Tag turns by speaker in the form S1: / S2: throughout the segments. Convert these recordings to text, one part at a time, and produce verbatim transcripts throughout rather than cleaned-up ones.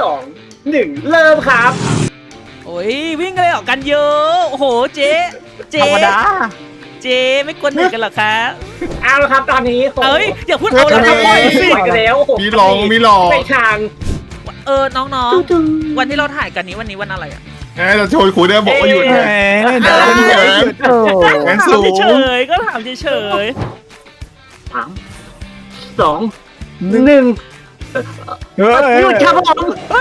S1: องหนึ่งเริ่มครับ
S2: โอ้ยวิ่งกันเลยออกกันเยอะโอ้โหเจ๊เจ๊
S3: ธรรมดา
S2: เจ๊ไม่กวนหนึ่งกันหรอคะ
S1: เอาละครับตอนนี้ผม
S2: เอ้ยอย่าพูดเอาละครับปล่อยสิ
S1: ปล่อยกันแล้ว
S4: มีลองมีหลอก
S1: ไปทาง
S2: เออน้องๆวันที่เราถ่ายกันนี้วันนี้วันอะไรอ่ะ
S4: เอ้ยเราโชว์คุณเนี่ยบอกว่าหยุด
S3: แหม
S4: ไง
S3: เดี๋ยว
S4: เดี๋ยว
S3: โอ้
S4: แขน
S2: ถา
S4: สู
S2: ม
S4: ง
S2: เฉยๆก็ถามเฉย
S1: สามสองหนึ่ง
S3: เฮ้ย
S1: หยุดครับผม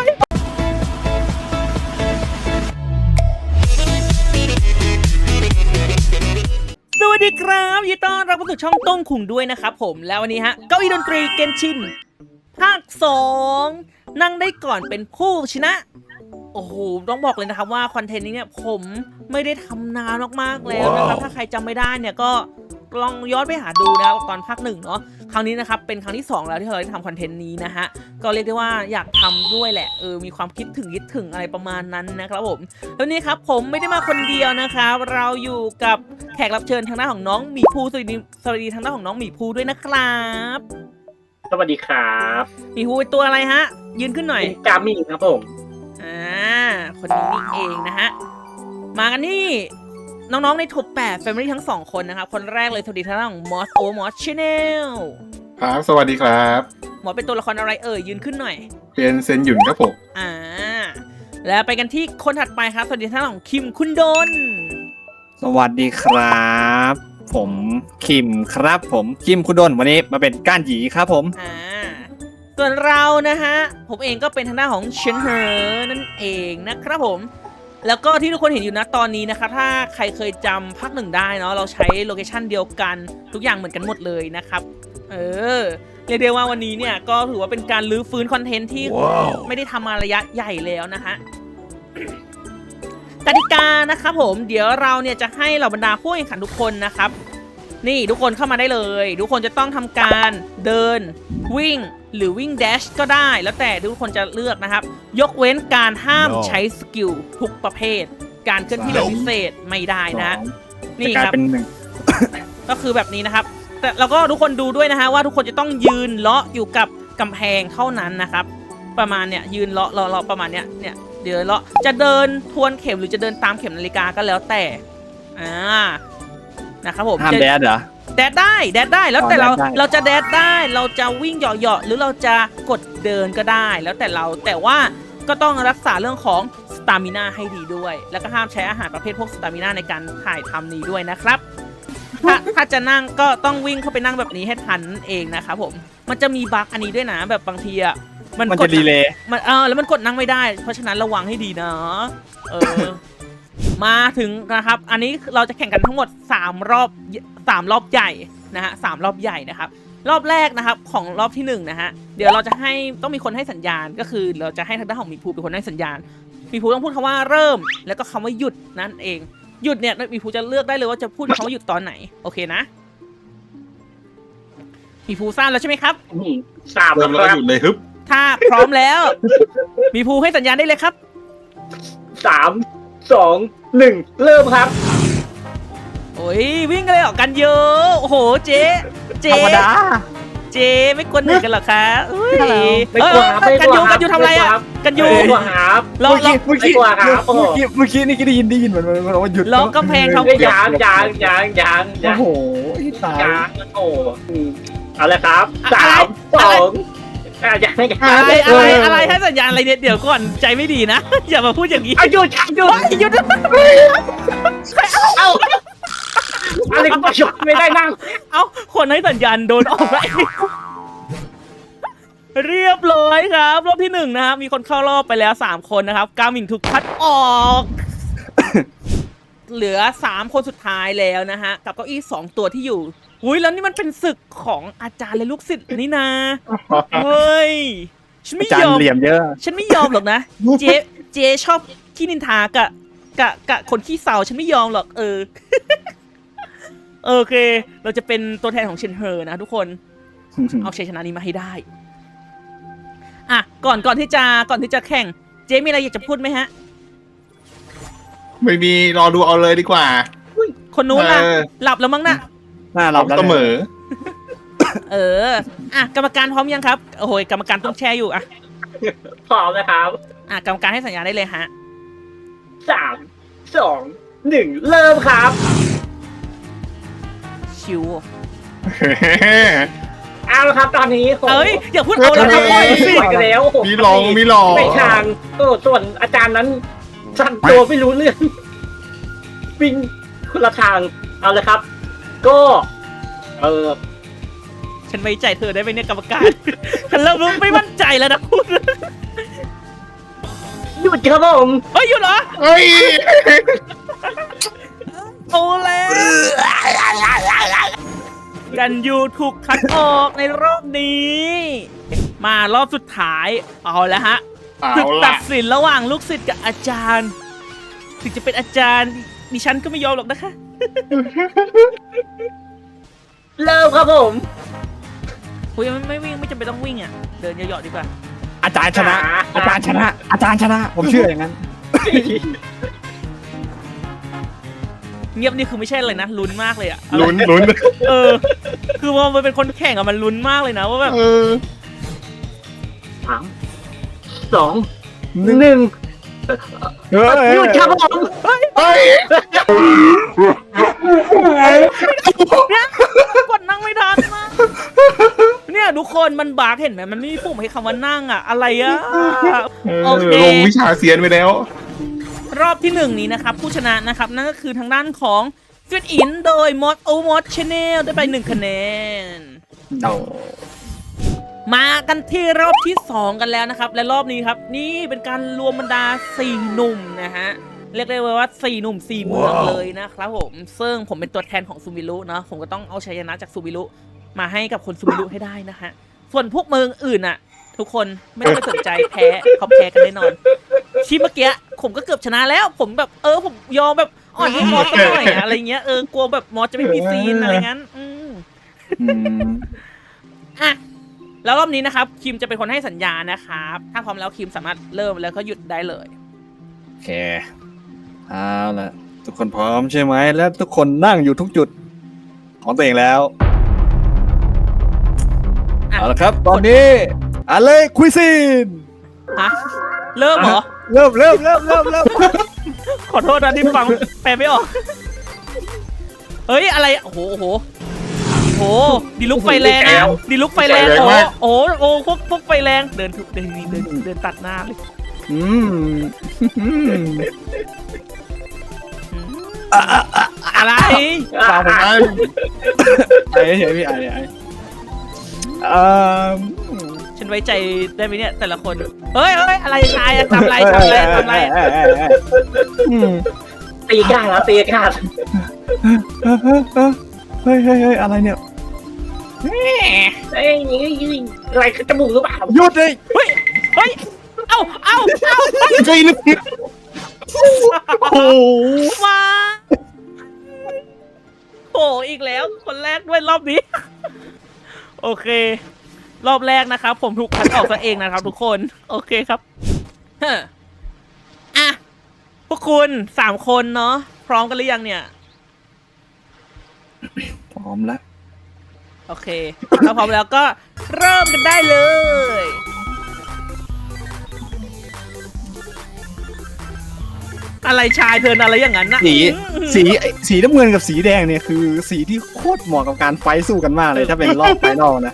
S2: ๆสวัสดีครับยินดีต้อนรับเข้าสู่ช่องต้งขุงด้วยนะครับผมแล้ววันนี้ฮะเก้าอี้ดนตรีเกนชินภาคสองนั่งได้ก่อนเป็นผู้ชนะโอ้โหต้องบอกเลยนะครับว่าคอนเทนต์นี้เนี่ยผมไม่ได้ทำนานมากๆแล้วนะครับถ้าใครจำไม่ได้เนี่ยก็ลองย้อนไปหาดูนะครับตอนภาคหนึ่งเนาะครั้งนี้นะครับเป็นครั้งที่สองแล้วที่เราได้ทำคอนเทนต์นี้นะฮะก็เรียกได้ว่าอยากทำด้วยแหละเออมีความคิดถึงคิดถึงอะไรประมาณนั้นนะครับผมแล้วนี้ครับผมไม่ได้มาคนเดียวนะครับเราอยู่กับแขกรับเชิญทางด้านของน้องหมีภูสวัสดีสวัสดีทางด้านของน้องหมีภูด้วยนะครับ
S1: สวัสดีครับ
S2: หมีภูเป็นตัวอะไรฮะยืนขึ้นหน่อย
S1: เป็นกามิครับผม
S2: อ่าคนนี้นี่เองนะฮะมากันที่น้องๆในท็อปแปด Family ทั้งสองคนนะครับคนแรกเลยสวัสดีทางด้านของ Moss O Moss Channel
S4: ครับสวัสดีครับ
S2: หมอเป็นตัวละครอะไรเอ่ยยืนขึ้นหน่อย
S4: เป็นเซนหยุนครับผม
S2: อ่าแล้วไปกันที่คนถัดไปครับสวัสดีทางด้านของคิมคุณดน
S3: สวัสดีครับ ผมคิมครับผมคิมคุณดนวันนี้มาเป็นก้านหยีครับผม
S2: อ่าส่วนเรานะฮะผมเองก็เป็นทางด้านของเชนเฮอร์นั่นเองนะครับผมแล้วก็ที่ทุกคนเห็นอยู่นะตอนนี้นะคะถ้าใครเคยจำภาคหนึ่งได้เนาะเราใช้โลเคชันเดียวกันทุกอย่างเหมือนกันหมดเลยนะครับเออเรียกได้ว่าวันนี้เนี่ยก็ถือว่าเป็นการรื้อฟื้นคอนเทนต์ที่
S3: wow.
S2: ไม่ได้ทำมาระยะใหญ่แล้วนะฮะกติกานะครับผมเดี๋ยวเราเนี่ยจะให้เหล่าบรรดาผู้แข่งขันทุกคนนะครับนี่ทุกคนเข้ามาได้เลยทุกคนจะต้องทำการเดินวิ่งหรือวิ่งแดชก็ได้แล้วแต่ทุกคนจะเลือกนะครับยกเว้นการห้าม
S4: no.
S2: ใช้สกิลทุกประเภทการเคลื่อนที่แบบพิเศษไม่ได้นะนี่ครับ
S3: เป็นหนึ่ง
S2: ก็คือแบบนี้นะครับแต่เราก็ทุกคนดูด้วยนะฮะว่าทุกคนจะต้องยืนเลาะอยู่กับกำแพงเท่านั้นนะครับประมาณเนี่ยยืนเลาะเลาะเลาะประมาณเนี้ยเนี่ยเดี๋ยวเลาะจะเดินทวนเข็มหรือจะเดินตามเข็มนาฬิกาก็แล้วแต่อ่านะครับผม
S3: ห้ามแดดเหรอ
S2: แดดได้แดดได้แล้วแต่เรา
S3: อ๋อแดดได้
S2: เราจะแดดได้เราจะวิ่งเหยาะๆหรือเราจะกดเดินก็ได้แล้วแต่เราแต่ว่าก็ต้องรักษาเรื่องของสตามิน่าให้ดีด้วยแล้วก็ห้ามใช้อาหารประเภทพวกสตามิน่าในการถ่ายทำนี้ด้วยนะครับถ้าถ้าจะนั่งก็ต้องวิ่งเข้าไปนั่งแบบนี้ให้ทันนั่นเองนะครับผมมันจะมีบั๊กอันนี้ด้วยนะแบบบางทีอ่ะ
S3: มัน
S2: ก
S3: จะ
S2: ด
S3: ดีเลย
S2: มันเออแล้วมันกดนั่งไม่ได้เพราะฉะนั้นระวังให้ดีนะเออ มาถึงนะครับอันนี้เราจะแข่งกันทั้งหมดสามรอบสามรอบใหญ่นะฮะสามรอบใหญ่นะครับรอบแรกนะครับของรอบที่หนึ่งนะฮะเดี๋ยวเราจะให้ต้องมีคนให้สัญญาณก็คือเราจะให้ทางด้านของหมีภูเป็นคนให้สัญญาณหมีภูต้องพูดคำว่าเริ่มแล้วก็คำว่าหยุดนั่นเองหยุดเนี่ยหมีภูจะเลือกได้เลยว่าจะพูดคำว่าหยุดตอนไหนโอเคนะหมีภูทราบแล้วใช่ไหมครับ
S1: นี่สาม
S4: เริ่มแล้วก็หยุดเลยฮึบ
S2: ถ้าพร้อมแล้วหมีภูให้สัญญาณได้เลยครับ
S1: สามสองหนึ่งเริ่มครับ
S2: โอ้ยวิ่งกันเลยออกกันเยอะโอ้โหเจ๊เจ๊
S3: ธรรมดา
S2: เจ๊ไม่กวนหนึ่งกันหรอคะเฮ้ย
S1: ไม่กลัวครับไม่
S2: กัน
S1: กลั
S2: ยู
S1: วค
S2: กั
S1: รับ
S2: นยูทำอะไรอ่ะกันยู
S1: ไม่กลัวครับ
S2: ลองลอง
S3: เมื่อกี้
S1: ไม่กลัวครับ
S3: เมื่อกี้เมื่อกี้นี่ก็ได้ยินได้ยินเหมือนมันว่าหยุด
S2: ลองกำแพงทำ
S1: ไม่ยางยางยางยางยาง
S3: โอ้โหตาย
S1: ยางโอ้เอาเลยครับสามสองอ่ะยังไม่ยัง
S2: อะไรอะไรอะไรให้สัญญาณอะไรเนี่ยเดี๋ยวก่อนใจไม่ดีนะ อย่ามาพูดอย่างนี้
S1: อายุชักยุ
S2: เฮ้ยหยุด
S1: เอาอะไรก็ประชดไม่ได้นั่ง
S2: เอ้าคนให้สัญญาณโดนออกไปเรียบร้อยครับรอบที่หนึ่งนะครับมีคนเข้ารอบไปแล้วสามคนนะครับกามิงถูกคัดออก เหลือสามคนสุดท้ายแล้วนะฮะกับเก้าอี้สองตัวที่อยู่อุ้ยแล้วนี่มันเป็นศึกของอาจารย์และลูกศิษย์นี่นะเฮ้ยฉันไม่
S3: จาน
S2: ยอม
S3: เหลี่ยมเยอะ
S2: ฉันไม่ยอมหรอกนะ เจ๊เจ๊ชอบขี้นินทากะกะกะคนขี้เศร้าฉันไม่ยอมหรอกเออ โอเค เราจะเป็นตัวแทนของเชนเฮอร์นะทุกคน เอาชัยชนะนี้มาให้ได้อ่ะก่อนก่อนที่จะก่อนที่จะแข่งเจ๊มีอะไรอยากจะพูดไหมฮะ
S4: ไม่มีรอดูเอาเลยดีกว่า
S2: คนนู้นล่ะ
S4: เออ
S2: หลับแล้วมั้งน่ะ
S3: หน้าเราแล้ว
S4: เสมอ
S2: เออ อ่ะ กรรมการพร้อมยังครับ โอ้โห กรรมการต้องแชร์อยู่ อ่ะ
S1: พร้อมนะครับ
S2: อ่ะกรรมการให้สัญญาณได้เลยฮะ
S1: สามสองหนึ่งเริ่มครับ
S2: ชิว
S1: เอาละครับตอนนี้ผม
S2: เอ้ยอย่าพูดเอาละครับ
S1: ปล่อย
S2: สิ
S1: ปล่อยกันแล้ว
S4: มีลองมีลอง
S1: ไปทางโอ้ส่วนอาจารย์นั้นสั่นตัวไม่รู้เรื่องวิ่งคนละทางเอาเลยครับ ก็ เออ
S2: ฉันไว้ใจเธอได้ไหมเนี่ยกรรมการ ฉันเริ่มรู้ไม่มั่นใจแล้วนะคุณ
S1: หยุดครับผม
S2: เฮ้ยหยุดเหรอ
S4: เฮ้ย
S2: โอ้แล้วกันยูถูกคัดออกในรอบนี้ มารอบสุดท้ายเอาแล้วฮะ
S4: เอา
S2: ศึกตั
S4: ละ
S2: ดสินระหว่างลูกศิษย์กับอาจารย์ ถึงจะเป็นอาจารย์ดิฉันก็ไม่ยอมหรอกนะคะ
S1: เริ่มครับผม
S2: คุยไม่ไม่วิ่งไม่จำเป็นต้องวิ่งอ่ะ เดินเหยาะๆดีกว่า
S3: อาจารย์ชนะ อาจารย์ชนะ อาจารย์ชนะ ผมเชื่ออย่างนั้น
S2: เงียบนี่คือไม่ใช่เลยนะลุ้นมากเลยอ่ะ
S4: ลุ้นลุ้น
S2: เออ คือว่ามันเป็นคนแข่งอะมันลุ้นมากเลยนะว่าแบบ
S4: เออ
S1: สามสองหนึ่ง
S3: เฮ้ย
S1: หยุดครับผม
S4: เฮ้ย
S2: เนี่ยกดนั่งไม่ทันมากเนี่ยทุกคนมันบากเห็นไหมมันไม่มีปุ่มให้คำว่านั่งอะอะไรอะโอเค
S4: ลงวิชาเซียนไปแล้ว
S2: รอบที่หนึ่งนี้นะครับผู้ชนะนะครับนั่นก็คือทางด้านของฟิตอินโดยมอสโอมอสชาแนลได้ไปหนึ่งคะแนน
S3: โอ้
S2: มากันที่รอบที่สองกันแล้วนะครับและรอบนี้ครับนี่เป็นการรวมบรรดาสี่หนุ่มนะฮะเรียกได้ว่าสี่หนุ่มสี่เมืองเลยนะครับผมซึ่งผมเป็นตัวแทนของซูมิรุเนาะผมก็ต้องเอาชัยชนะจากซูมิรุมาให้กับคนซูมิรุให้ได้นะฮะส่วนพวกเมืองอื่นอะทุกคนไม่ต้องไปสนใจแพ้เขาแพ้กันแน่นอนที่เมื่อกี้ผมก็เกือบชนะแล้วผมแบบเออผมยอมแบบอ่อนให้มอสสักหน่อยอะอะไรเงี้ยเออกลัวแบบมอสจะไม่มีซีนอะไรงั้นอืม
S3: อืม
S2: อ่ะแล้วรอบนี้นะครับคิมจะเป็นคนให้สัญญาณนะครับถ้าพร้อมแล้วคิมสามารถเริ่มแล้วก็หยุดได้เลย
S3: โอเค เอาละทุกคนพร้อมใช่ไหม แล้วทุกคนนั่งอยู่ทุกจุด ของตัวเองแล้ว
S2: อ่ะ
S3: เอาละครับ ตอนนี้อะไรคุยซีน
S2: ฮะเริ่มเหรอ
S3: เริ่มเริ่มเริ่มเริ่มเริ่ม
S2: ขอโทษนะที่ฟังแปลไม่ออกเฮ้ยอะไรโอ้โหโอ้โหโอ้โหดีลุกไฟแรงนะดีลุกไฟแรงโอ้โหโอ้โหโอ้โหพวกพวกไฟแรงเดินถูกเดินนี่เดินเดินตัดหน้าเลย
S3: อืมอืม
S2: อืมอะไร
S3: ฟังผมไอ้ไอ้เฉยพี่ไอ้ไอ้เอ่อ
S2: ฉันไว้ใจได้ไหมเนี่ยแต่ละคนเฮ้ยเฮ้ยอะไรชายอะทำอะไรทำอะไรทำอะไร
S3: อืม
S1: ตีกาแล้วตีกา
S3: เฮ้ยเฮ้ยเฮ้ยอะไรเนี่ย
S1: เอ้ยอะไรจมูกหรือเปล่า
S3: หยุดเลย
S2: เฮ้ยเฮ้ยเอ้าเอ้าเอ้า
S3: ใจลึกโอ้โห
S2: มาโอ้อีกแล้วคนแรกด้วยรอบนี้ โอเค รอบแรกนะครับผมถูกคัดออกซะเองนะครับทุกคนโอเคครับเฮ้ออ่ะพวกคุณสามคนเนาะพร้อมกันหรือยังเนี่ย
S3: พร้อมแล้ว
S2: โอเคถ้าพร้อมแล้วก็เริ่มกันได้เลย อะไรชายเธออะไรอย่างนั้นนะ
S3: สีสีสีน้ำเงินกับสีแดงเนี่ยคือสีที่โคตรเหมาะกับการไฟท์สู้กันมากเลยถ้าเป็นรอบไฟนอลนะ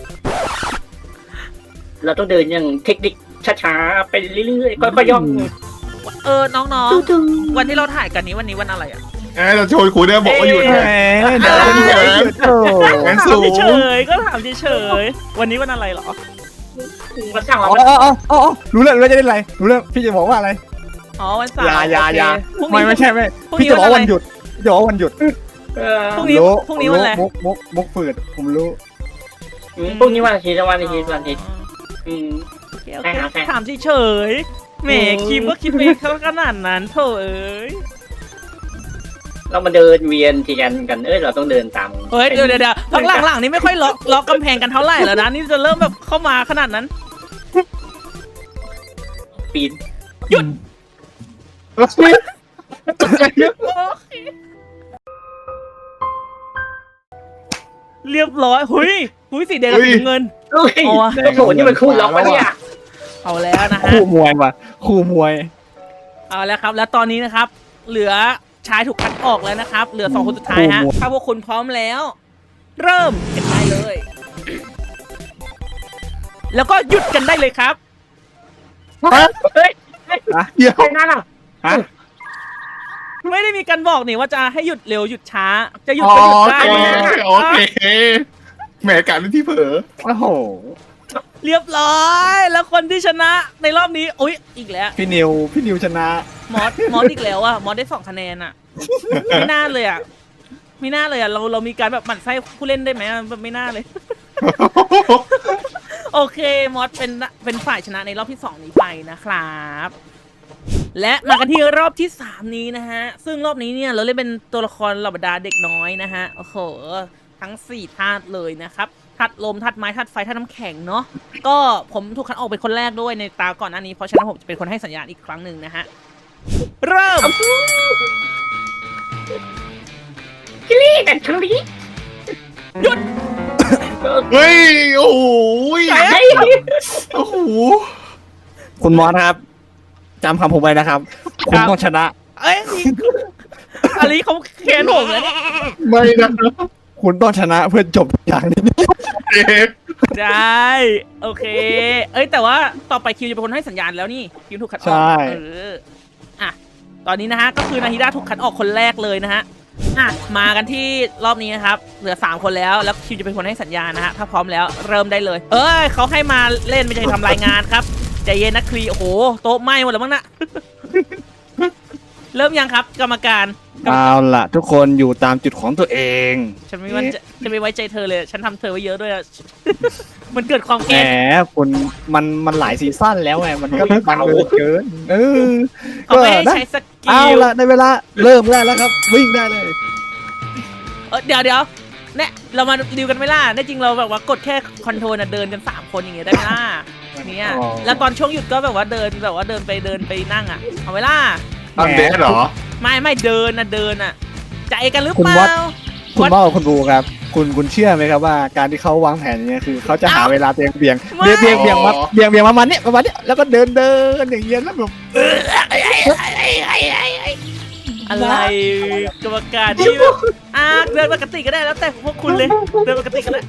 S1: เราต้องเดินอย่างเทคนิคช้าๆไปเรื่อยๆค่อยๆย่อง
S2: เออน้องๆวันที่เราถ่ายกันนี้วันนี้วันอะไรอ่ะ
S4: เอ้ยเราโชว์คุณเนี่ยบอกว่าหยุด
S3: แหม
S4: นะ
S3: เดินเฉยโอ้
S4: แรง
S2: ถา
S4: สู
S2: ม
S4: ง
S2: เฉยๆก็ถามเฉยๆวันนี้วันอะไรเหรอ
S1: มาสั่ง
S3: อ๋
S1: เรา
S3: ออ๋ออ๋อรู้แล้วรู้แล้วจะได้อะไรรู้แล้วพี่จะบอกว่าอะไร
S2: อ๋อวันเสาร์
S3: อยาอยา
S2: โเค
S3: อยา
S2: พรุ่ง
S3: ไม่
S2: นี้
S3: ไม่ใช่ไม่
S2: พรุ่ง
S3: พี่
S2: นี้
S3: จะบอก
S2: วัน
S3: ว่า
S2: อะไร
S3: วันหยุดพี่จะบอกว่าวันหยุด
S1: เออ
S2: พรุ่งนี้
S3: รู้
S2: พรุ่งนี้วันอะไร
S3: มุกมุกมุกฝืดผมรู้
S1: พรุ่งนี้วันอาทิตย์วันอาทิตย์วันอาทิตย์อืม
S2: โอเคโอ
S1: ใช่
S2: เค
S1: ครับใช่
S2: ถามเฉยๆแหม
S1: อืม
S2: คิมก็คิดไปเขาขนาดนั้นโถเอ้ย
S1: เรามาเดินเวียนทีกันกันเอ้ยเราต้องเดินตาม
S2: เฮ้ยเดี๋ยวเดี๋ยวเดี๋ยวหลังๆหลังๆนี่ไม่ค่อยล็อกล็อกกำแพงกันเท่าไหร่แล้วนะนี่จะเริ่มแบบเข้ามาขนาดนั้น
S1: ปีน
S2: หยุด เรียบร้อยหุยหุยสีแดงกับสีน้ำเงิน
S1: เฮ้ย
S2: เอาวะ
S1: โอ้โหนี่มันคู่ล็อกปะเนี่ย
S2: เอาแล้วนะฮะ
S3: คู่มวยว่ะคู่มวย
S2: เอาแล้วครับ แล้วตอนนี้นะครับ เหลือชายถูกคัดออกแล้วนะครับ เหลือสองคนสุดท้ายฮะ
S3: โอ้โห
S2: ถ้าพวกคุณพร้อมแล้ว เริ่มกันได้เลย แล้วก็หยุดกันได้เลยครับ
S1: เฮ้ย
S4: เดี๋ยว
S1: ใครนั่นอ่ะ
S3: ฮะ
S2: ไม่ได้มีการบอกนี่ว่าจะให้หยุดเร็วหยุดช้า จะหยุด
S4: อ๋อ
S2: ก็หยุด
S4: โอ
S2: ได้
S4: เค
S2: นะ
S4: โอเคแหมการเป็นที่เผลอ
S3: โอ้โห
S2: เรียบร้อย แล้วคนที่ชนะในรอบนี้อุ๊ยอีกแล้ว
S3: พี่นิวพี่นิวชนะ
S2: มอสมอสอีกแล้วอะมอสได้สองคะแนนอะไม่น่าเลยอะไม่น่าเลยอะเราเรามีการแบบหมั่นไส้ผู้เล่นได้ไหมอะไม่น่าเลย โอเคมอสเป็นเป็นฝ่ายชนะในรอบที่สองนี้ไปนะครับ และมากันที่รอบที่สามนี้นะฮะซึ่งรอบนี้เนี่ยเราเล่นเป็นตัวละครเหล่าบรรดาเด็กน้อยนะฮะโอ้โหทั้งสี่ธาตุเลยนะครับธาตุลมธาตุไม้ธาตุไฟธาตุน้ำแข็งเนาะก็ผมถูกคัดออกเป็นคนแรกด้วยในตาก่อนหน้านี้เพราะฉะนั้นผมจะเป็นคนให้สัญญาณอีกครั้งหนึ่งนะฮะเริ่ม
S1: คิลี่แต่คิลี่
S2: หยุด
S4: เฮ้ยโอ้โห
S1: ไอ้
S4: โอ้โห
S3: คุณมอสครับจำคำผมไว้นะครับ คุณต้องชนะ
S2: เอ้ยอันนี้เขาแค้นผมเลยเนี่ย
S4: ไม่นะ
S3: คุณต้องชนะเพื่อจบอย่างนี้
S4: เอ๊ะ
S2: ได้โอเค เอ้ยแต่ว่าต่อไปคิวจะเป็นคนให้สัญญาณแล้วนี่คิวถูกคัดออก
S3: ใช่
S2: เอออ่ะตอนนี้นะฮะก็คือนาฮิดาถูกคัดออกคนแรกเลยนะฮะอ่ะมากันที่รอบนี้นะครับเหลือสามคนแล้วแล้วคิวจะเป็นคนให้สัญญาณนะฮะถ้าพร้อมแล้วเริ่มได้เลย เอ้ยเขาให้มาเล่นไม่ใช่ทำรายงานครับใจเย็นนะคลีโอ้โหโต๊ะไหม้หมดแล้วมั้งนะ เริ่มยังครับกรรมการ
S3: เอาล่ะ ทุกคนอยู่ตามจุดของตัวเอง
S2: ฉันไม่มั่นใจฉันไม่ไว้ใจเธอเลย ฉันทำเธอไว้เยอะด้วยอะ มันเกิดความ
S3: แหม
S2: แค้น
S3: คุณมันมันหลายซีซั่นแล้วไงมันก็มันเกินเกินเออ
S2: เขาไม่ให้
S3: นะ
S2: ใช้สกิ
S3: เอา
S2: ล
S3: ล่ะในเวลาเริ่มได้แล้วครับ วิ่งได้เลย
S2: เออเดี๋ยวเดี๋ยวเนี่ยเรามาดิวกันไหม่ล่ะได้จริงเราแบบว่ากดแค่คอนโทรลน่ะเดินกันสามคนอย่างเงี้ยได้ไหมล่ะเนี่ย
S3: อ๋อ
S2: แล้วตอนช่วงหยุดก็แบบว่าเดินแบบว่าเดินไปเดินไปนั่งอ่ะเอาไว้ล่ะ
S4: อันเดสเหรอ
S2: ไม่ไม่เดินนะเดินอ่ะใจกันหรือ
S3: คุณ
S2: เป
S3: วั
S2: ล่า
S3: ด คุณพ่อกับคุณบูครับ คุณคุณเชื่อไหมครับว่าการที่เขาวางแผนอย่างเงี้ยคือเขาจะหาเวลาเบี่ยงเบี่ยงเบี่ยงเบี่ยงเบี่ยงมาเบี่ยงเบี่ยงประมาณเนี้ยประมาณเนี้ยแล้วก็เดินเดินอย่างเงี้ยแล้วแบบ
S2: อะไรกรรมการที่แบบอ่ะเดินปกติก็ได้แล้วแต่พวกคุณเลยเดินปกติก็ได้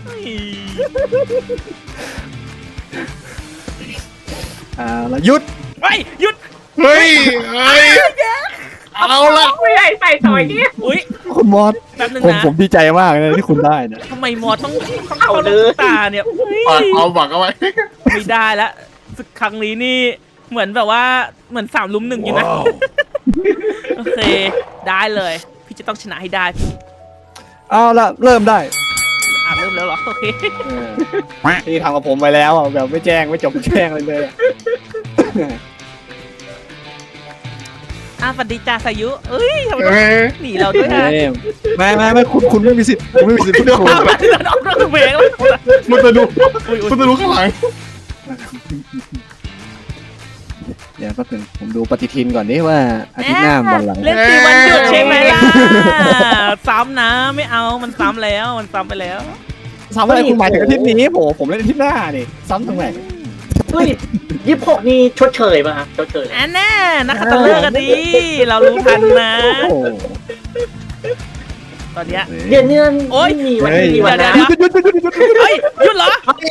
S3: อ่าแล้วหยุด
S2: เฮ้ยหยุด
S4: เฮ้ยเฮ้ยเอาละ
S1: ไม่ได้ใส่ต่อยเนี่ย
S2: อุ้ย
S3: คุณมอส
S2: แป๊บนึง
S3: ผม
S2: นะ
S3: ผมดีใจมากเลยที่คุณได้นะ
S2: ทำไมมอต้องต้องเข้าลูกตาเนี่ยเฮ้ย
S4: ปากเอาบักเอาไว้
S2: ไม่ได้แล้วศึกครั้งนี้นี่เหมือนแบบว่าเหมือนสามลุมหนึ่งอยู่นะโอเคได้เลยพี่จะต้องชนะให้ได้
S3: เอาละเริ่มได้
S2: อ่ะเริ่มแล้วเหรอโอเค
S3: เออที่ทำกับผมไปแล้วอ่ะแบบไม่แจ้งไม่จบไม่แจ้งเลยเลยอะ
S2: อ่ะสวัสดีจ่าสายุเอ้ยทำไมต้อง
S4: เฮ้ย
S2: หนีเราด้วยฮะ
S3: เอ้ยไม่ไม่ไม่คุณคุณไม่มีสิทธิ์คุณไม่มีสิทธิ์พูดถูก
S2: อ้าวมันเดินออกนอกเพลงแล้ว
S4: มันจะดูมันจะดูข้างหลัง
S3: เดี๋ยวแป๊บนึงผมดูปฏิทินก่อนนี่ว่าอาทิตย์หน้าวันอะไร
S2: เล่นตีวันหยุดใช่ไหมล่ะซ้ำนะไม่เอามันซ้ำแล้วมันซ้ำไปแล้ว
S3: ซ้ำอะไรคุณหมายถึงอาทิตย์นี้ผมผมเล่นอาทิตย์หน้านี่ซ้ำตรงไหน
S1: เฮ้ยยี่สิบหกนี่ชดเชยป่ะฮะชดเชย
S2: อันน่ะนักขัตฤกษ์กันดีเรารู้ทันนะ
S3: โอ้โห
S2: ตอนเนี้ย
S1: เดือนเดือน
S2: โอ๊ย
S1: ไม่มีวัน
S3: เฮ้ย
S1: ที่วัน
S2: เดี๋
S1: นะ
S2: ยว
S3: หยุดหยุดหยุดหยุดหยุดหยุด
S2: เฮ้ยหยุดเหรอ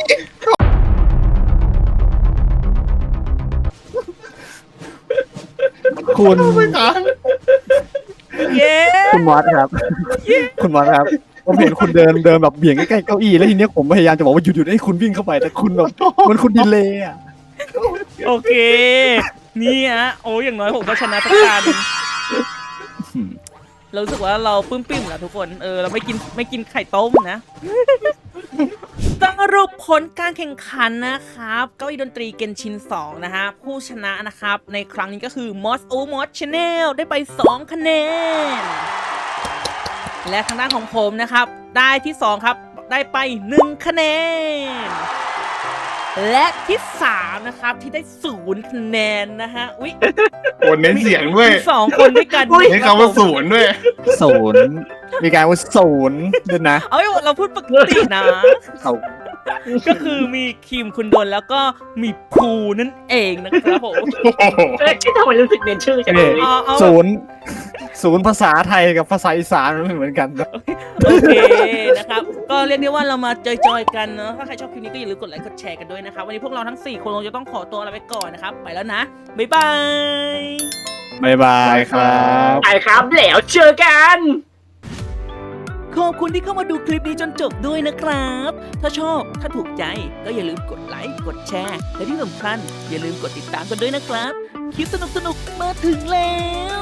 S3: คุณ
S4: ไม่ทัน
S2: เย้
S3: คุณมอสครับ คุณมอสครับผมเห็นคุณเดินเดินแบบเบี่ยงใกล้ๆเก้าอี้แล้วทีเนี้ยผมพยายามจะบอกว่าหยุดหยุดให้คุณวิ่งเข้าไปแต่คุณแบบมันคุณดีเลยอ่ะ
S2: โอเคนี่ฮะโอ้ยอย่างน้อยผมก็ชนะทุกการเรารู้สึกว่าเราปลื้มปิ่มๆแหละทุกคนเออเราไม่กินไม่กินไข่ต้มนะสรุปผลการแข่งขันนะครับเก้าอี้ดนตรีเกนชินสองนะฮะผู้ชนะนะครับในครั้งนี้ก็คือ Moss O Moss Channel ได้ไปสองคะแนนและทางด้านของผมนะครับได้ที่สองครับได้ไปหนึ่งคะแนนและที่สามนะครับที่ได้ศูนย์คะแนนนะฮะอุ๊ย
S4: คนเน้นเสียงด้วย
S2: มีสองคนด้วยกัน
S4: เน้นคำว่าศูนย์ด้วย
S3: ศูนย์มีการว่าศูนย์ด้วยนะ
S2: เอ้ยเราพูดปกตินะ
S3: เอา
S2: ก็คือมีคิมคุณดนแล้วก็มีภูนั่นเองนะครับผม
S1: เอ้ยทำไมรู้สึกเน้นชื่อจังเลย
S2: เอาเอา
S3: ศูนย์ศูนย์ภาษาไทยกับภาษาอีสานมันไม่เหมือนกันนะ
S2: โอเคนะครับ ก็เรียกได้ว่าเรามาจอยๆกันเนาะถ้าใครชอบคลิปนี้ก็อย่าลืมกดไลค์กดแชร์กันด้วยนะครับวันนี้พวกเราทั้งสี่คนคงจะต้องขอตัวลาไปก่อนนะครับไปแล้วนะบ๊ายบาย
S3: บ๊ายบายครับ
S1: ไปครับแล้วเจอกัน
S2: ขอบคุณที่เข้ามาดูคลิปนี้จนจบด้วยนะครับ ถ้าชอบ ถ้าถูกใจ ก็อย่าลืมกดไลค์ กดแชร์ และที่สำคัญอย่าลืมกดติดตามกันด้วยนะครับ คลิปสนุกๆ มาถึงแล้ว